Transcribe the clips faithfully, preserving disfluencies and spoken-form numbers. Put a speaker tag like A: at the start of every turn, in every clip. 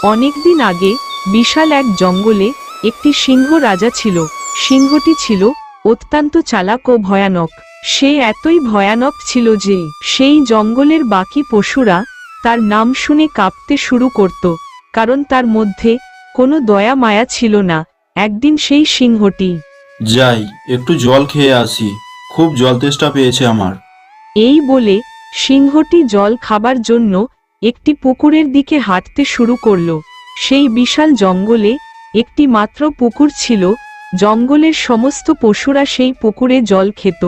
A: অনেকদিন আগে বিশাল এক জঙ্গলে একটি সিংহ রাজা ছিল। সিংহটি ছিল অত্যন্ত চালাক ও ভয়ানক। সে এতই ভয়ানক ছিল যে সেই জঙ্গলের বাকি পশুরা তার নাম শুনে কাঁপতে শুরু করত, কারণ তার মধ্যে কোনো দয়া মায়া ছিল না। একদিন সেই সিংহটি,
B: যাই একটু জল খেয়ে আসি, খুব জল তেষ্টা পেয়েছে আমার।
A: এই বলে সিংহটি জল খাবার জন্য একটি পুকুরের দিকে হাঁটতে শুরু করল। সেই বিশাল জঙ্গলে একটি মাত্র পুকুর ছিল। জঙ্গলের সমস্ত পশুরা সেই পুকুরে জল খেত।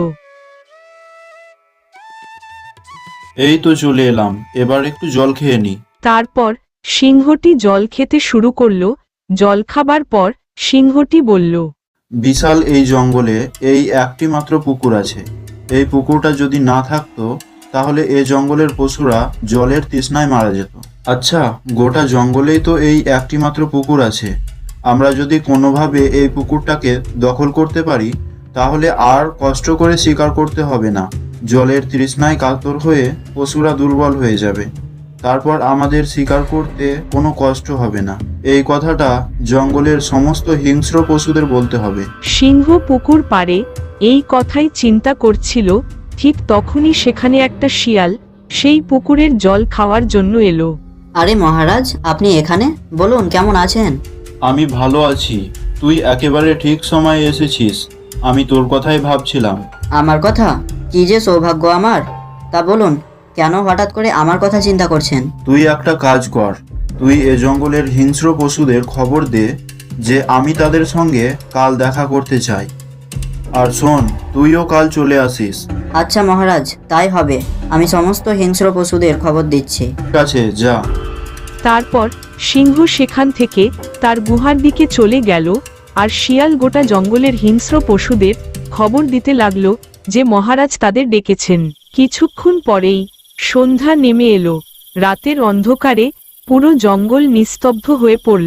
B: এই তো চলে এলাম, এবার একটু জল খেয়ে নি।
A: তারপর সিংহটি জল খেতে শুরু করল। জল খাবার পর সিংহটি বলল,
B: বিশাল এই জঙ্গলে এই একটি মাত্র পুকুর আছে। এই পুকুরটা যদি না থাকতো তাহলে এই জঙ্গলের পশুরা জলের তৃষ্ণায় মারা যেত। আচ্ছা, গোটা জঙ্গলেই তো এই একটি মাত্র পুকুর আছে। আমরা যদি কোনোভাবে এই পুকুরটাকে দখল করতে পারি তাহলে আর কষ্ট করে শিকার করতে হবে না। জলের তৃষ্ণায় কাতর হয়ে পশুরা দুর্বল হয়ে যাবে, তারপর আমাদের শিকার করতে কোনো কষ্ট হবে না। এই কথাটা জঙ্গলের সমস্ত হিংস্র পশুদের বলতে হবে।
A: সিংহ পুকুর পাড়ে এই কথাই চিন্তা করছিল। ঠিক তখনই সেখানে একটা শিয়াল সেই পুকুরের জল খাওয়ার জন্য এলো।
C: আরে মহারাজ, আপনি এখানে? বলুন, কেমন আছেন?
B: আমি ভালো আছি, তুই একেবারে ঠিক সময়ে এসেছিস। আমি তোর কথাই ভাবছিলাম।
C: আমার কথা? কি যে সৌভাগ্য আমার! তা বলুন, কেন হঠাৎ করে আমার কথা চিন্তা করছেন?
B: তুই একটা কাজ কর, তুই এ জঙ্গলের হিংস্র পশুদের খবর দে যে আমি তাদের সঙ্গে কাল দেখা করতে চাই। আর শোন, তুইও কাল চলে আসিস।
C: আচ্ছা মহারাজ, তাই হবে। আমি সমস্ত হিংস্র পশুদের খবর দিচ্ছি।
B: ঠিক আছে, যা।
A: তারপর সিংহ সেখান থেকে তার গুহার দিকে চলে গেল, আর শিয়াল গোটা জঙ্গলের হিংস্র পশুদের খবর দিতে লাগলো যে মহারাজ তাদের ডেকেছেন। কিছুক্ষণ পরেই সন্ধ্যা নেমে এলো। রাতের অন্ধকারে পুরো জঙ্গল নিস্তব্ধ হয়ে পড়ল।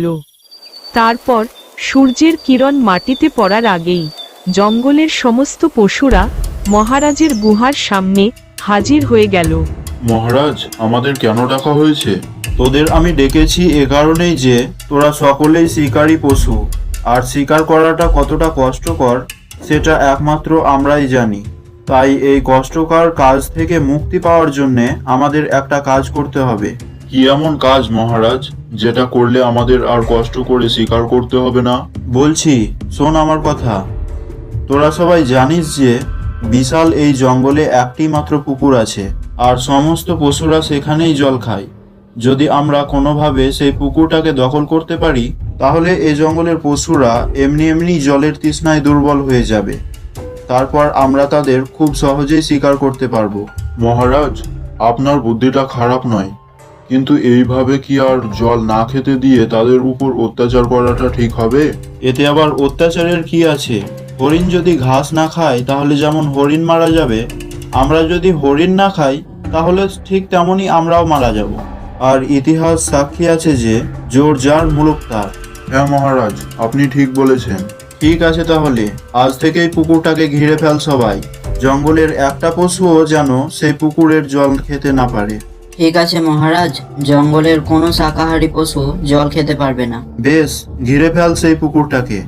A: তারপর সূর্যের কিরণ মাটিতে পড়ার আগেই জঙ্গলের সমস্ত পশুরা মহারাজের গুহার সামনে হাজির হয়ে গেল।
B: মহারাজ, আমাদের কেন ডাকা হয়েছে? তোদের আমি ডেকেছি এ কারণেই যে তোরা সকলেই শিকারী পশু, আর শিকার করাটা কতটা কষ্টকর সেটা একমাত্র আমরাই জানি। তাই এই কষ্টকর কাজ থেকে মুক্তি পাওয়ার জন্যে আমাদের একটা কাজ করতে হবে।
D: কি এমন কাজ মহারাজ, যেটা করলে আমাদের আর কষ্ট করে শিকার করতে হবে না?
B: বলছি, শোন আমার কথা। তোরা সবাই জানিস যে বিশাল এই জঙ্গলে একটি মাত্র পুকুর আছে, আর সমস্ত পশুরা সেখানেই জল খায়। যদি আমরা কোনোভাবে সেই পুকুরটাকে দখল করতে পারি তাহলে এই জঙ্গলের পশুরা এমনি এমনি জলের তৃষ্ণায় দুর্বল হয়ে যাবে। তারপর আমরা তাদের খুব সহজেই শিকার করতে পারবো।
D: মহারাজ, আপনার বুদ্ধিটা খারাপ নয়, কিন্তু এইভাবে কি আর জল না খেতে দিয়ে তাদের উপর অত্যাচার করাটা ঠিক হবে?
B: এতে আবার অত্যাচারের কি আছে? হরিণ যদি ঘাস না খায় তাহলে যেমন হরিণ মারা যাবে, আমরা যদি হরিণ না খাই তাহলে ঠিক তেমনই আমরাও মারা যাব। আর ইতিহাস সাক্ষী আছে যে জোর যার মুলুক তার।
D: হ্যাঁ মহারাজ, আপনি ঠিক বলেছেন।
B: ঠিক আছে, তাহলে আজ থেকেই পুকুরটাকে ঘিরে ফেল সবাই। জঙ্গলের একটা পশুও যেন সেই পুকুরের জল খেতে না পারে।
C: ঠিক আছে মহারাজ, জঙ্গলের কোনো শাকাহারী পশু জল খেতে পারবে না।
B: বেশ, ঘিরে ফেল সেই পুকুরটাকে।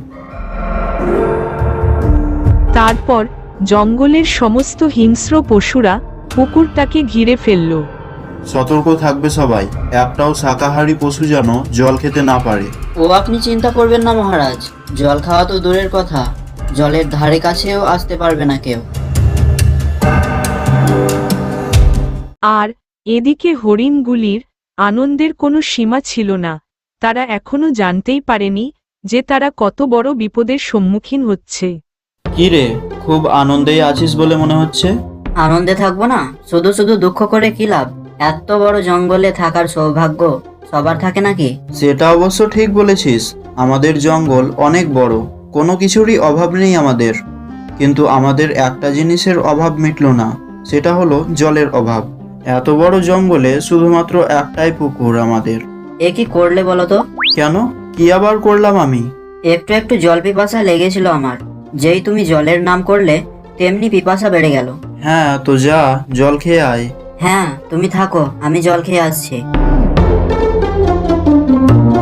A: তারপর জঙ্গলের সমস্ত হিংস্র পশুরা পুকুরটাকে ঘিরে ফেলল।
B: সতর্ক থাকবে সবাই, একটাও শাকাহারী পশু যেন জল খেতে না পারে।
C: ও আপনি চিন্তা করবেন না মহারাজ, জল খাওয়া তো দূরের কথা, জলের ধারে কাছেও আসতে পারবে না কেউ।
A: আর এদিকে হরিণগুলির আনন্দের কোনো সীমা ছিল না। তারা এখনো জানতেই পারেনি যে তারা কত বড় বিপদের সম্মুখীন হচ্ছে।
B: কি রে, খুব আনন্দেই আছিস বলে মনে হচ্ছে।
C: আনন্দে থাকবো না? শুধু শুধু দুঃখ করে কি লাভ? এত বড় জঙ্গলে থাকার সৌভাগ্য সবার থাকে নাকি?
B: সেটা অবশ্য ঠিক বলেছিস। আমাদের জঙ্গল অনেক বড়, কোনো কিছুরই অভাব নেই আমাদের। কিন্তু আমাদের একটা জিনিসের অভাব মিটল না, সেটা হলো জলের অভাব। এত বড় জঙ্গলে শুধুমাত্র একটাই পুকুর আমাদের।
C: এ কি করলে বলো তো?
B: কেন, কি আবার করলাম আমি?
C: একটু একটু জল পিপাসা লেগেছিল আমার। যেই তুমি জলের নাম করলে তেমনি পিপাসা বেড়ে গেল।
B: হ্যাঁ, তো যা জল খেয়ে আয়।
C: হ্যাঁ, তুমি থাকো, আমি জল খেয়ে আসছি।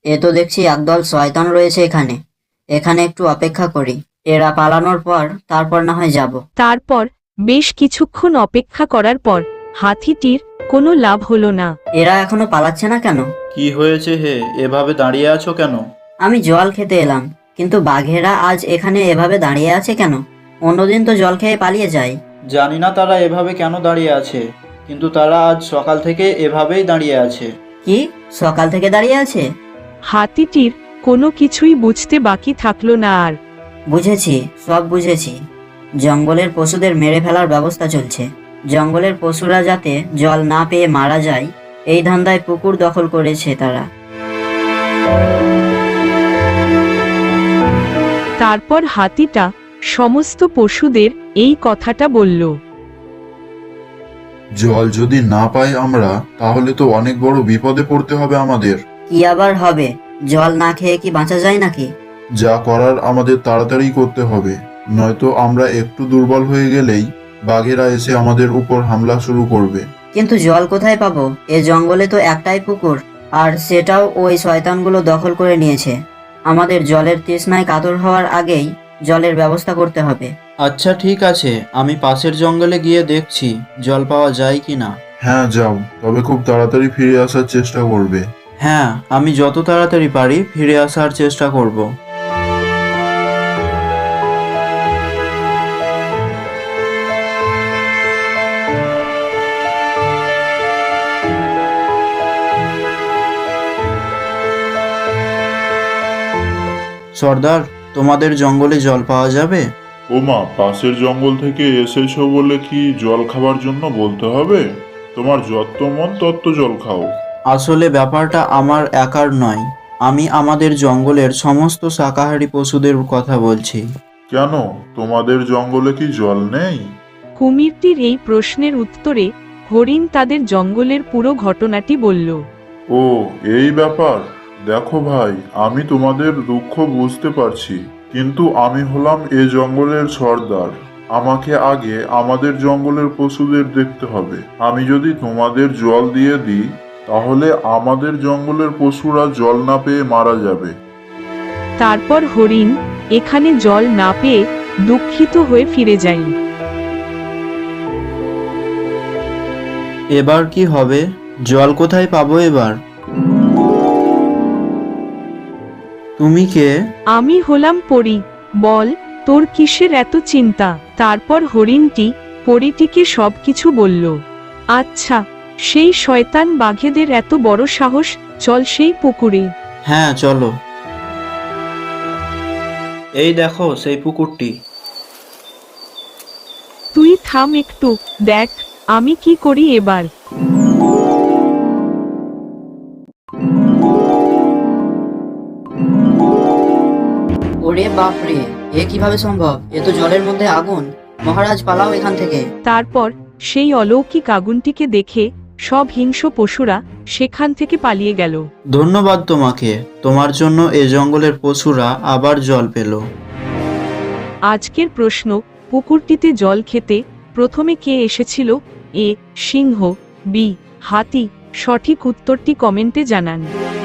C: এ তো দেখছি একদল শয়তান রয়েছে এখানে। এখানে একটু অপেক্ষা করি, এরা পালানোর পর তারপর না হয় যাব।
A: তারপর বেশ কিছুক্ষণ অপেক্ষা করার পর হাতিটির কোনো লাভ হলো না।
C: এরা এখনো পালাচ্ছে না কেন?
B: কি হয়েছে হে, এভাবে দাঁড়িয়ে আছো কেন?
C: আমি জল খেতে এলাম, কিন্তু বাঘেরা আজ এখানে এভাবে দাঁড়িয়ে আছে কেন? অন্যদিন তো জল খেয়ে পালিয়ে যায়।
B: জানি না তারা এভাবে কেন দাঁড়িয়ে আছে, কিন্তু তারা আজ সকাল থেকে এভাবেই দাঁড়িয়ে আছে।
C: কি সকাল থেকে দাঁড়িয়ে আছে?
A: হাতিটির কোনো কিছুই বুঝতে বাকি থাকলো না আর।
C: বুঝেছি, সব বুঝেছি। জঙ্গলের পশুদের মেরে ফেলার ব্যবস্থা চলছে। জঙ্গলের পশুরা যাতে জল না পেয়ে মারা যায়, এই ধান্দায় পুকুর দখল করেছে তারা।
A: তারপর হাতিটা সমস্ত পশুদের এই কথাটা বলল।
D: জল যদি না পাই আমরা, তাহলে তো অনেক বড় বিপদে পড়তে হবে আমাদের।
C: কি আবার হবে? জল না খেয়ে কি বাঁচা যায় নাকি?
D: যা করার আমাদের তাড়াতাড়ি করতে হবে, নয়তো আমরা একটু দুর্বল হয়ে গেলেই বাঘেরা এসে আমাদের উপর হামলা শুরু করবে।
C: কিন্তু জল কোথায় পাবো? এ জঙ্গলে তো একটাই পুকুর, আর সেটাও ওই শয়তানগুলো দখল করে নিয়েছে। আমাদের জলের তৃষ্ণায় কাতর হওয়ার আগেই জলের ব্যবস্থা করতে হবে।
B: আচ্ছা ঠিক আছে, আমি পাশের জঙ্গলে গিয়ে দেখছি জল পাওয়া যায় কি না।
D: হ্যাঁ যাও, তবে খুব তাড়াতাড়ি ফিরে আসার চেষ্টা করবে।
B: হ্যাঁ, আমি যত তাড়াতাড়ি পারি ফিরে আসার চেষ্টা করব। সর্দার, তোমাদের জঙ্গলে জল পাওয়া যাবে?
D: ওমা, পাশের জঙ্গল থেকে এসেছো বলে কি জল খাবার জন্য বলতে হবে? তোমার যত মন তত জল খাও।
B: আসলে ব্যাপারটা আমার একার নয়, আমি আমাদের জঙ্গলের সমস্ত শাকাহারী পশুদের কথা বলছি।
D: কেন, তোমাদের জঙ্গলে কি জল নেই?
A: কুমিরটির এই প্রশ্নের উত্তরে হরিণ তাদের জঙ্গলের পুরো ঘটনাটি বলল।
D: ও, এই ব্যাপার। দেখো ভাই, আমি তোমাদের দুঃখ বুঝতে পারছি, কিন্তু আমি হলাম এ জঙ্গলের সর্দার। আমাকে আগে আমাদের জঙ্গলের পশুদের দেখতে হবে। আমি যদি তোমাদের জল দিয়ে দিই, তাহলে আমাদের জঙ্গলের পশুরা জল না পেয়ে মারা যাবে।
A: তারপর হরিণ এখানে জল না পেয়ে দুঃখিত হয়ে ফিরে যায়।
B: এবার কি হবে? জল কোথায় পাবো এবার? তুমি কে?
A: আমি হলাম পরী, বল তোর কিসের এত চিন্তা? তারপর হরিণটি পরীটিকে সবকিছু বলল। আচ্ছা, সেই শয়তান বাঘেদের এত বড় সাহস, চল সেই পুকুরে।
B: হ্যাঁ চলো। এই দেখো সেই পুকুরটি।
A: তুই থাম একটু, দেখ আমি কি করি এবার।
C: ওরে বাপরে, এ কিভাবে সম্ভব? এ তো জলের মধ্যে আগুন। মহারাজ, পালাও এখান থেকে।
A: তারপর সেই অলৌকিক আগুনটিকে দেখে সব হিংস্র পশুরা সেখান থেকে পালিয়ে গেল।
B: ধন্যবাদ তোমাকে, তোমার জন্য এ জঙ্গলের পশুরা আবার জল পেল।
A: আজকের প্রশ্ন, পুকুরটিতে জল খেতে প্রথমে কে এসেছিল? এ সিংহ, বি হাতি। সঠিক উত্তরটি কমেন্টে জানান।